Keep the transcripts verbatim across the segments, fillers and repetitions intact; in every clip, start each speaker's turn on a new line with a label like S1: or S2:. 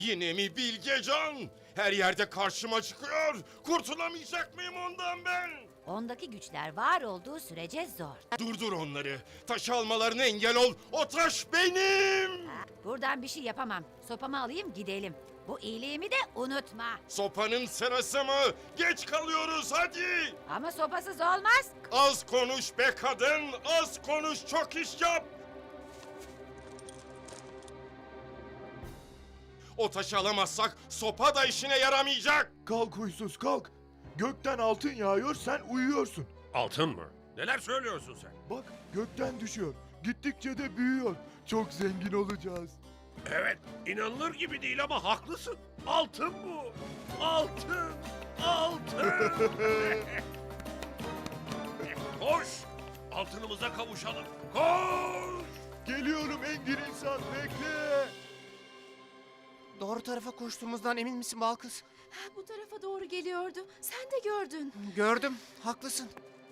S1: Yine mi Bilgecan? Her yerde karşıma çıkıyor. Kurtulamayacak mıyım ondan ben?
S2: Ondaki güçler var olduğu sürece zor.
S1: Durdur onları. Taş almalarına engel ol. O taş benim.
S2: Ha, buradan bir şey yapamam. Sopamı alayım gidelim. Bu iyiliğimi de unutma.
S1: Sopanın sırası mı? Geç kalıyoruz hadi.
S2: Ama sopasız olmaz.
S1: Az konuş be kadın. Az konuş, çok iş yap. O taşı alamazsak sopa da işine yaramayacak.
S3: Kalk huysuz kalk. Gökten altın yağıyor, sen uyuyorsun.
S4: Altın mı? Neler söylüyorsun sen?
S3: Bak gökten düşüyor. Gittikçe de büyüyor. Çok zengin olacağız.
S4: Evet, inanılır gibi değil ama haklısın. Altın bu. Altın. Altın. Koş. Altınımıza kavuşalım. Koş.
S3: Geliyorum engin insan, bekle.
S5: Doğru tarafa koştuğumuzdan emin misin Balkız?
S6: Ha, bu tarafa doğru geliyordu. Sen de gördün.
S5: Gördüm, haklısın.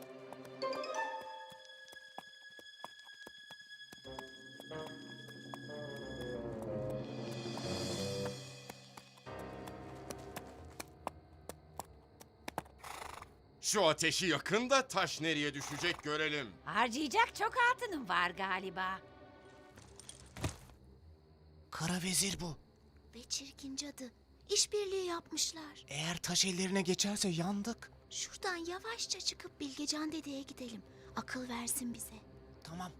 S1: Şu ateşi yakın da taş nereye düşecek görelim.
S2: Harcayacak çok altınım var galiba.
S5: Kara vezir bu.
S6: Ve çirkin cadı. İşbirliği yapmışlar.
S5: Eğer taş ellerine geçerse yandık.
S6: Şuradan yavaşça çıkıp Bilgecan dedeye gidelim. Akıl versin bize.
S5: Tamam.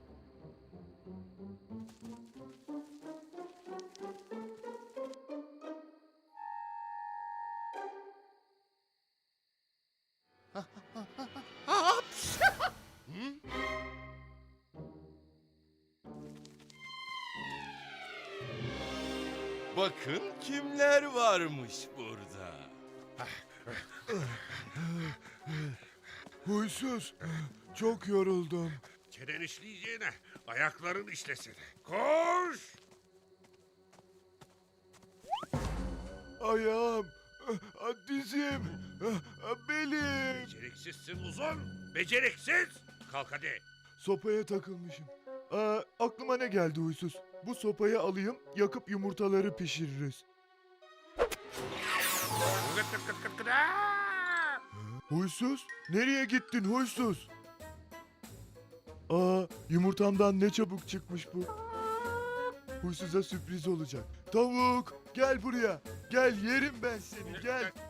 S1: Bakın kimler varmış burada.
S3: Huysuz, çok yoruldum.
S4: Çenen işleyeceğine ayakların işlesin. Koş.
S3: Ayağım, dizim, belim.
S4: Beceriksizsin uzun. Beceriksiz. Kalk hadi.
S3: Sopaya takılmışım. Aa, aklıma ne geldi huysuz? Bu sopayı alayım, yakıp yumurtaları pişiririz.
S4: Kıt kıt kıt kıt kıt. Aa!
S3: Huysuz, nereye gittin huysuz? Aa, yumurtamdan ne çabuk çıkmış bu. Huysuza sürpriz olacak. Tavuk, gel buraya. Gel, yerim ben seni, gel.